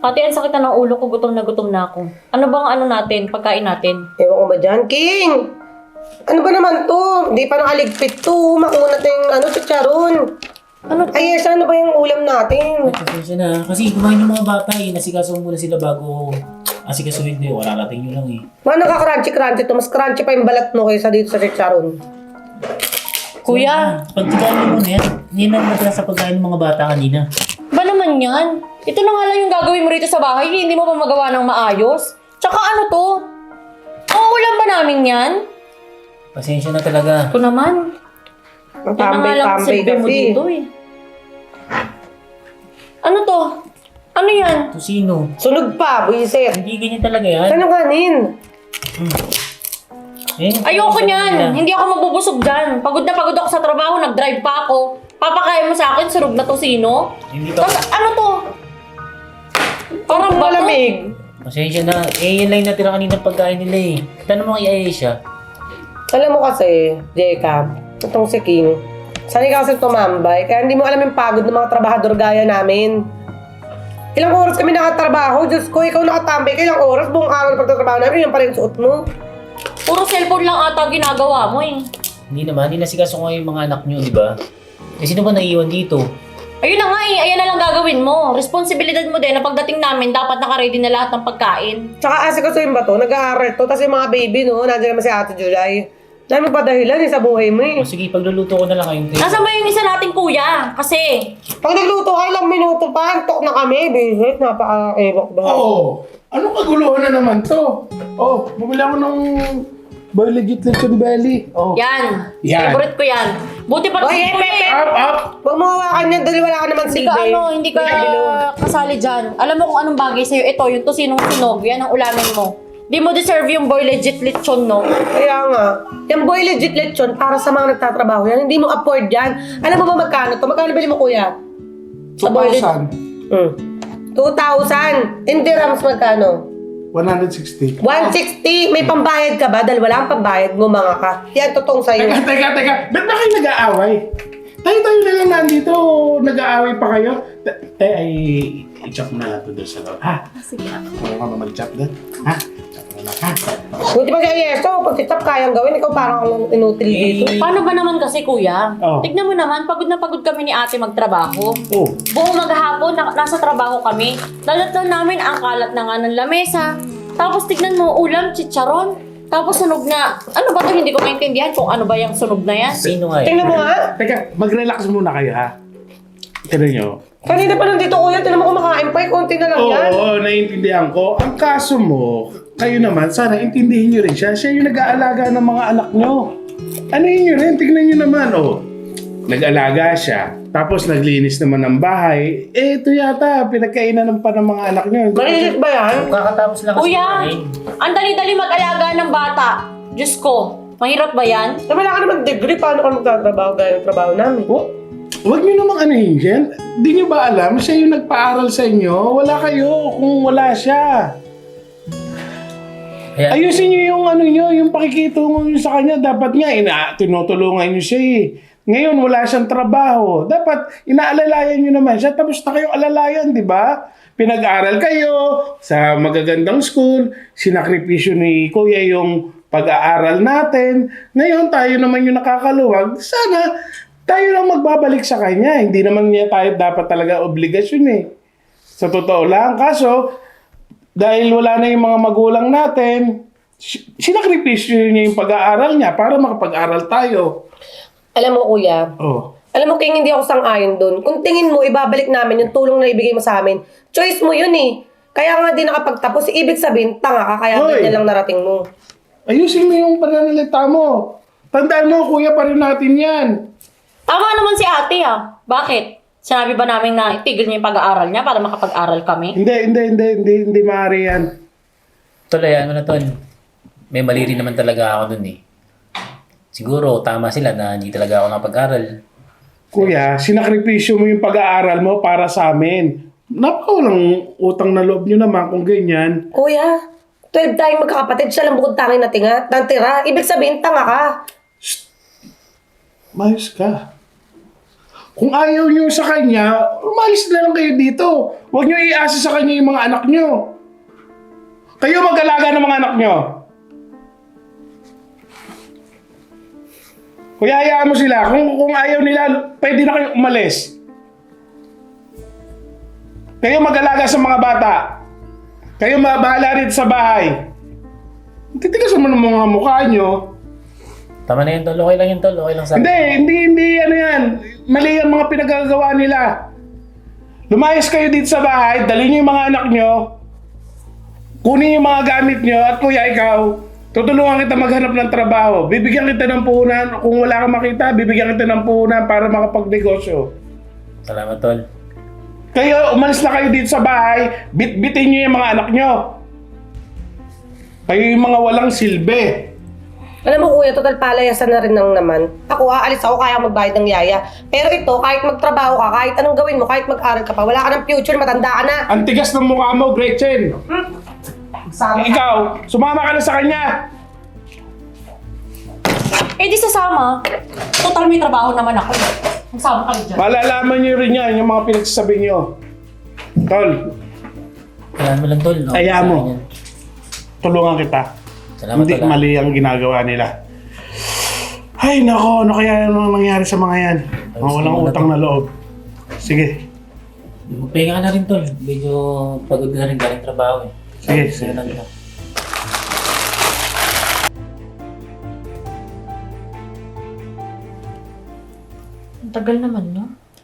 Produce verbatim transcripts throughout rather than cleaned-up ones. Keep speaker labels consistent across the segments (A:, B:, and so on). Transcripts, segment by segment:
A: Ate, ang sakit na ng ulo ko. Gutom na gutom na ako. Ano bang ano natin? Pagkain natin?
B: Ewan ko ba dyan, King? Ano ba naman to? Di pa nakaligpit to. Makuha natin yung ano, chicharon.
A: Ano to?
B: Ay, yes, ano ba yung ulam natin?
C: Pasensya na. Kasi kumain yung mga bata eh. Nasikaso muna sila bago asikasuhin din. Wala natin yun lang eh.
B: Mga nakaka-crunchy-crunchy to. Mas crunchy pa yung balat mo kaysa dito sa chicharon.
A: Kuya,
C: Pagtikain mo muna yan. Hindi na natala sa pagkain ng mga bata kanina.
A: ba naman yan? Ito na nga lang yung gagawin mo rito sa bahay. Hindi mo pa magawa ng maayos. Tsaka ano to? Ang ulam ba namin yan?
C: Pasensya na talaga.
A: Ito naman.
B: Ang
A: Yan na nga lang
B: tambay-tambay
A: silbi mo
B: kasi.
A: dito eh. Ano to? Ano yan?
C: Tusino.
B: Sunog pa, buisit.
C: Hindi ganyan talaga yan.
B: Saan ang kanin?
C: Eh,
A: Ayoko
C: sabi
A: niyan.
C: nila.
A: Hindi ako mabubusog dyan. Pagod na pagod ako sa trabaho. Nag-drive pa ako. Papakain mo sa akin, surog na tosino.
C: Hindi pa.
A: Tapos ano to? Parang
B: Ang
A: bato.
B: malamig.
C: Pasensya na. Eh, yan lang yung natira kanina pagkain nila eh. Tanong mo kay Aisha.
B: Alam mo kasi, Jacob, itong si King, sanay ka kasi tumambay, kaya hindi mo alam yung pagod ng mga trabahador gaya namin. Ilang oras kami nakatrabaho, Diyos ko, ikaw nakatambay ka ilang oras, buong araw na pagtatrabaho namin, yung pa rin suot mo.
A: Puro cellphone lang ata ginagawa mo eh.
C: Hindi naman. Hindi nasikaso ko yung mga anak nyo, di ba? Eh, sino ba naiiwan dito?
A: Ayun na nga eh, ayan na lang gagawin mo. Responsibilidad mo din na pagdating namin, dapat nakaready na lahat ng pagkain.
B: Tsaka asikaso yung ba to, nag-aaral to, tapos yung mga baby, no, nandiyan naman si Ate July. Dahil mo pa dahilan eh, sa buhay mo eh.
C: O sige, pagluluto ko na lang kayong tayo.
A: Nasaan ba yung isa nating kuya? Kasi,
B: Pag nagluto ka, ilang minuto pa, antok na kami, bisit, napaka-ewok ba?
D: Oo. Anong kaguluhan na naman to? Oh, bumili ako ng Boy Legit Lechon Belly. Oh.
A: yan.
D: Yan.
A: Favorite ko yan. Buti pa
B: Oy,
A: si kuya
B: Pepe!
A: eh.
D: Up, up!
B: Huwag mo hawakan yan dahil wala ka naman
A: Hindi
B: silbi.
A: ka ano, hindi ka kasali dyan. Alam mo kung anong bagay sa'yo. Ito, yung tosinong sunog. Yan ang ulamin mo. Di mo deserve yung boy legit lechon, no?
B: Kaya nga, yung Boy Legit Lechon para sa mga nagtatrabaho yan, hindi mo afford yan. Alam mo ba magkano to? Magkano bili mo kuya?
D: two
B: Boy Leg-
D: thousand.
B: Hmm. two thousand. In dirhams magkano?
D: one hundred sixty.
B: one sixty. May pambayad ka ba? Dahil wala kang pambayad, ngumanga ka. Yan, totoong sa'yo.
D: Teka, teka, teka. Ba't ba kayo nag-aaway? Tayo-tayo na lang nandito. Nag-aaway pa kayo. Tay, ay, i-chop mo na lang ito doon sa loob. Ha?
A: Sige.
D: Kaya ka ba mag-chop doon? Ha? Chop mo na lang, ha?
B: Buti pa siya, yeso. Pag titap kayang gawin, ikaw parang kang inutil dito.
A: Paano ba naman kasi, kuya?
D: Oh.
A: Tignan mo naman, pagod na pagod kami ni ate magtrabaho.
D: Oh.
A: Buong maghapon, na, nasa trabaho kami. Lalat-lan namin ang kalat na nga ng lamesa. Tapos tignan mo, ulam, chicharon. Tapos sunog na, ano ba to? Hindi ko maintindihan kung ano ba yung sunog na yan.
C: Sino nga eh?
B: Tingnan mo nga.
D: Teka, mag-relax muna kayo, ha? Tignan nyo.
B: Kanina pa nandito kuya, tinan mo kumakain pa. eh, Konti na lang
D: Oo,
B: yan.
D: oo, naiintindihan ko. Ang kaso mo, kayo naman, sana intindihin nyo rin siya. Siya yung nag-aalaga ng mga anak nyo. Ano yun yun rin? Tignan nyo naman, oh. Nag-alaga siya, tapos naglinis naman ng bahay. Eh, ito yata, pinagkainan ng pa ng mga anak nyo.
B: Malilit ba yan?
C: Kakatapos lang kasi
A: Kuya,
C: kumain.
A: ang dali-dali mag-alaga ng bata. Diyos ko, mahirap ba yan?
B: Na wala ka naman degree, paano ka magtatrabaho gaya ng trabaho namin?
D: Oh, huwag nyo namang anuhin yan. Di nyo ba alam, siya yung nagpaaral sa inyo? Wala kayo kung wala siya.
C: Kaya,
D: Ayusin nyo yung ano nyo, yung pakikitungo nyo sa kanya. Dapat nga, ina, tinutulungan nyo siya eh. Ngayon, wala siyang trabaho. Dapat, inaalalayan nyo naman siya. Tapos na kayong alalayan, di ba? Pinag-aral kayo sa magagandang school. Sinakripisyo ni Kuya yung pag-aaral natin. Ngayon, tayo naman yung nakakaluwag. Sana, tayo lang magbabalik sa kanya. Hindi naman niya tayo dapat talaga obligasyon eh. Sa totoo lang. Kaso, dahil wala na yung mga magulang natin, si- sinakripisyo niya yung pag-aaral niya para makapag-aral tayo.
B: Alam mo kuya,
D: Oh.
B: alam mo King, hindi ako sang-ayon dun. Kung tingin mo, ibabalik namin yung tulong na ibigay mo sa amin. Choice mo yun eh. Kaya nga di nakapagtapos, ibig sabihin, tanga ka, kaya
D: Hoy!
B: ganyan lang narating mo.
D: Ayusin mo yung pananalita mo. Tandaan mo, kuya pa rin natin yan.
A: Tama naman si ate ah. Bakit? Sinabi ba namin na itigil niya yung pag-aaral niya para makapag-aral kami?
D: Hindi, hindi, hindi, hindi, hindi maaari yan.
C: tuloy, ano na to? May mali rin naman talaga ako dun eh. Siguro, tama sila na hindi talaga ako nakapag-aral.
D: Kuya, sinakripisyo mo yung pag-aaral mo para sa amin. Napakawalang utang na loob nyo naman kung ganyan.
B: Kuya, twelve tayong magkakapatid, siya lang bukod tanging natinga, nantira. Ibig sabihin, tanga ka.
D: Mayos ka. Kung ayaw nyo sa kanya, umalis na lang kayo dito. Huwag nyo iasa sa kanya yung mga anak nyo. Kayo mag-alaga ng mga anak nyo. Kuya, hayaan mo sila. Kung, kung ayaw nila, pwede na kayo umalis. Kayo mag-alaga sa mga bata. Kayo mabahala rin sa bahay. Titigasan mo ng mga mukha nyo.
C: Tama na yun, tol. Okay lang yun, tol. Okay lang sa
D: Hindi, hindi, hindi, ano yan. Mali ang mga pinagagawa nila. Lumayas kayo dito sa bahay, dalhin nyo yung mga anak nyo, kunin yung mga gamit nyo, at kuya, ikaw, tutulungan kita maghanap ng trabaho. Bibigyan kita ng puhunan. Kung wala kang makita, bibigyan kita ng puhunan para makapagnegosyo.
C: Salamat, tol.
D: Kayo, umalis na kayo dito sa bahay, bit-bitin nyo yung mga anak nyo. Kayo yung mga walang silbi.
B: Alam mo kuya, total palayasan na rin ng naman. Ako, aalis ako, kaya magbayad ng yaya. Pero ito, kahit magtrabaho ka, kahit anong gawin mo, kahit mag-aral ka pa, wala ka ng future, matanda ka na.
D: Ang tigas ng mukha mo, Gretchen.
B: Sama ka.
D: Ikaw, sumama ka na sa kanya.
A: Eh di sasama. Total may trabaho naman ako. Magsama kayo dyan.
D: Malalaman nyo rin yan, yung mga pinagsasabi nyo. Tol,
C: Hayaan mo lang, tol. Okay,
D: Hayaan
C: sa
D: mo.
C: akin yan.
D: tulungan kita.
C: Salamat,
D: Hindi
C: tol. ah.
D: mali ang ginagawa nila. Ay, nako, ano kaya yung nangyari sa mga yan? Mga
C: Ayos
D: walang
C: naman
D: utang
C: na
D: na loob. Sige,
C: Magpahinga ka na rin, tol. Medyo pagod na rin galing trabaho eh.
D: Sige,
C: Sige
D: sige.
C: na rin. ah.
A: Ang tagal naman, no?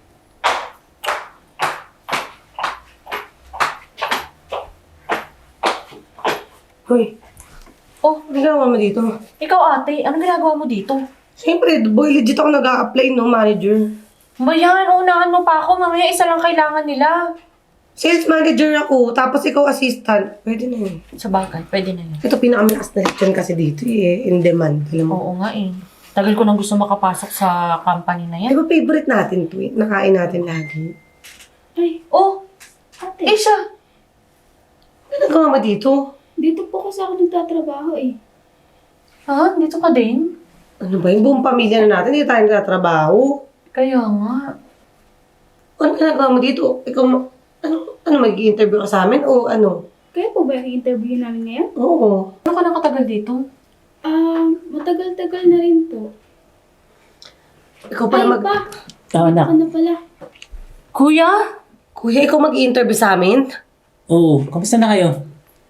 B: Hoy,
A: Oh,
B: ano ginagawa mo dito?
A: ikaw ate, anong ginagawa mo dito?
B: Siyempre, boy, legit ako nag-a-apply, no, manager.
A: Bayan, unahan mo pa ako. Mamaya isa lang kailangan nila.
B: Sales manager ako, tapos ikaw assistant. Pwede na yun.
A: Sa bagay, pwede na yun.
B: Ito pinakamalakas na lechon kasi dito eh, in demand. Alam mo?
A: Oo nga eh. Tagal ko nang gusto makapasok sa company na
B: Di
A: yan.
B: ba favorite natin to eh? Nakain natin lagi.
A: Ay, oh!
E: Ate,
A: Eh siya!
B: Ano nagawa mo dito?
E: dito po kasi ako nagtatrabaho eh.
A: Ha? Dito ka din?
B: Ano ba yung buong pamilya na natin? Hindi tayo nagtatrabaho.
A: Kaya nga.
B: Ano ginagawa mo dito? Ikaw, ma- ano, ano mag-i-interview ka sa amin o ano?
E: Kaya po ba yung interview namin ngayon?
B: Oo.
A: Ano ka nang katagal dito?
E: Ah, matagal-tagal na rin po.
B: Ikaw
E: Ay
B: pala mag...
E: pa!
C: Tama na.
E: Ako na pala.
A: Kuya?
B: Kuya, ikaw mag-i-interview sa amin?
C: Oo, kamusta na kayo?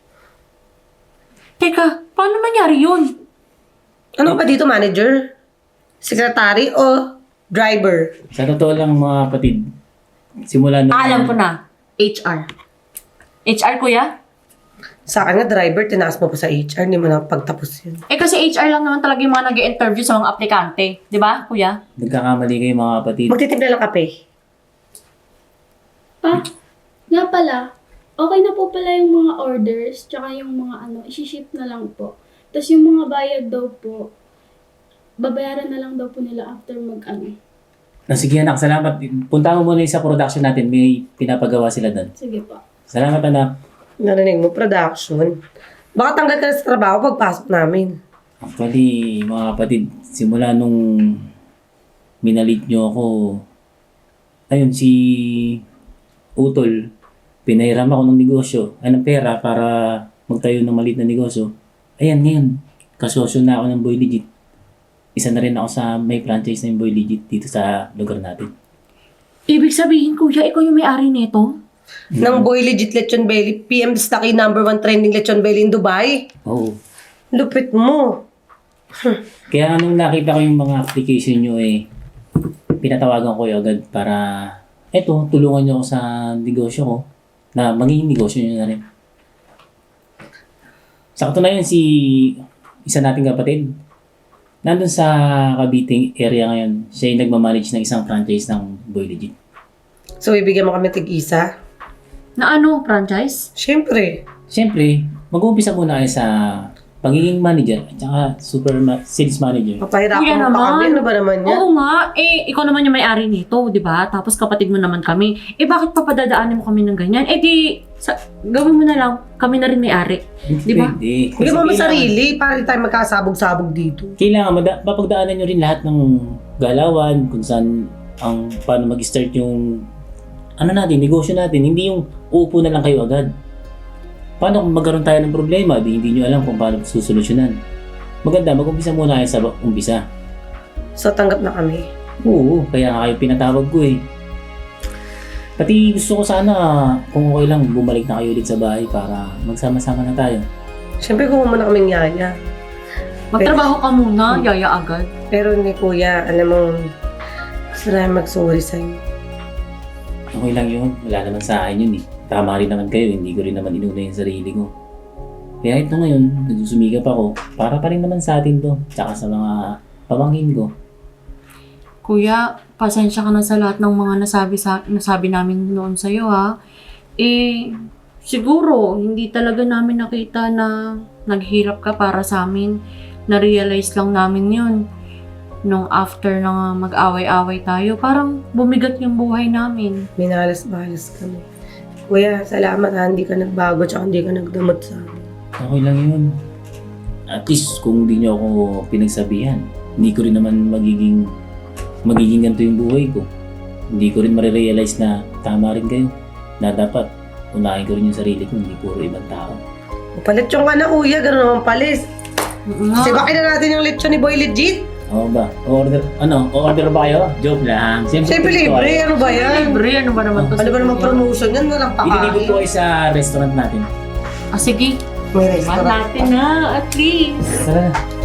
A: Teka, paano nangyari yun?
B: Ano pa dito, manager? Secretary o driver?
C: Sa totoo lang mga kapatid, simula nung...
A: Ah, alam ko na. H R. H R, kuya?
B: Sa akin na driver, tinaas mo pa sa H R, hindi mo na pagtapos yun.
A: Eh kasi H R lang naman talaga yung mga nag-interview sa mga aplikante. Di ba, kuya?
C: Nagkakamali kayo mga kapatid.
B: Magtitimpla lang kape.
E: Pa, nga pala, okay na po pala yung mga orders, tsaka yung mga ano, isi-ship na lang po. Tapos yung mga bayad daw po, babayaran na lang daw po nila after mag-ano.
C: Ah, sige anak, salamat. Punta mo muna yung sa production natin. May pinapagawa sila doon.
E: Sige po.
C: Salamat anak.
B: Narinig mo, production. Baka tanggal ka na sa trabaho pagpasok namin.
C: Actually, mga kapatid, simula nung minalit nyo ako, ayun, si Utol, pinahiram ako ng negosyo, ay ng pera para magtayo ng maliit na negosyo. Ayan, ngayon, kasosyo na ako ng Boy Legit. Isa na rin ako sa may franchise ng Boy Legit dito sa lugar natin.
A: Ibig sabihin, kuya, ikaw yung may-ari nito?
B: Nang Boy Legit Lechon Belly, P M Stocky number one trending Lechon Belly in Dubai.
C: Oo.
B: Lupit mo.
C: Kaya nung nakita ko yung mga application nyo eh, pinatawagan ko yung agad para, eto, tulungan nyo ako sa negosyo ko na magiging negosyo nyo na rin. Sa katunayan, si isa nating kapatid, nandun sa Cavite area ngayon, siya yung nagmamanage ng isang franchise ng Boy Legit.
B: So, ibigyan mo kami tig-isa?
A: Na ano, franchise?
B: Siyempre.
C: Siyempre, mag-uumpisa muna kayo sa pagiging manager at saka super ma- sales manager.
B: Papahirapan
A: Kuya
B: mo pa
A: naman.
B: kami. Ano ba naman yan?
A: Oo nga. Eh, ikaw naman yung may-ari nito, di ba? Tapos kapatid mo naman kami. Eh, bakit papadadaanin mo kami ng ganyan? Eh, di, sa, gawin mo na lang. Kami na rin may-ari. Di ba?
C: Pwede.
B: Bigyan mo mo
C: Kasi
B: sarili para di tayo magkasabog-sabog dito.
C: Kailangan mada- mapagdaanan nyo rin lahat ng galawan, kung saan ang paano mag-start yung ano natin, negosyo natin. Hindi yung uupo na lang kayo agad. Paano kung magkaroon tayo ng problema, di hindi nyo alam kung paano susolusyonan. Maganda, mag-umpisa muna kayo sa umpisa.
B: So, tanggap na kami.
C: Oo, kaya nga kayo pinatawag ko eh. Pati gusto ko sana kung okay lang bumalik na kayo ulit sa bahay para magsama-sama na tayo.
B: Siyempre, kuha mo na kaming yaya.
A: Magtrabaho ka muna, yaya agad.
B: Pero ni kuya, alam mo, gusto na mag-sorry sa'yo.
C: Okay lang yun, wala naman sa akin yun eh. Tama rin naman kayo, hindi ko rin naman inuna yung sarili ko. Kaya ito ngayon, nagsusumikap ako, para pa rin naman sa atin to, tsaka sa mga pamangkin ko.
A: Kuya, pasensya ka na sa lahat ng mga nasabi, sa, nasabi namin noon sa'yo ha. Eh, siguro, hindi talaga namin nakita na naghirap ka para sa amin. Na-realize lang namin yun. Nung after na mag-away-away tayo, parang bumigat yung buhay namin.
B: Minalas-balas kami. Kuya, salamat ha, hindi ka nagbago tsaka hindi ka nagdamot sa amin.
C: Okay lang yun. At least, kung hindi nyo ako pinagsabihan, hindi ko rin naman magiging magiging ganito yung buhay ko. Hindi ko rin marirealize na tama rin kayo. Na dapat, unahin ko rin yung sarili ko, hindi puro ibang tao.
B: Palit yung ka na kuya, gano'n naman palis.
A: Oo nga.
B: Sibakin na natin yung lechon ni Boy Legit.
C: Oo ba? O-order, ano? O-order ba kayo? Joke lang. Siyempre,
B: Siyempre
C: gusto
B: libre,
C: kayo.
B: ano ba yan?
A: Libre, ano ba naman to?
B: Ano ba naman promotion yan? Walang
C: Ililibre
B: pakain.
C: po kayo sa restaurant natin.
A: Ah, sige.
B: May
A: Iman
B: restaurant
A: natin na, at least.
C: Tara na.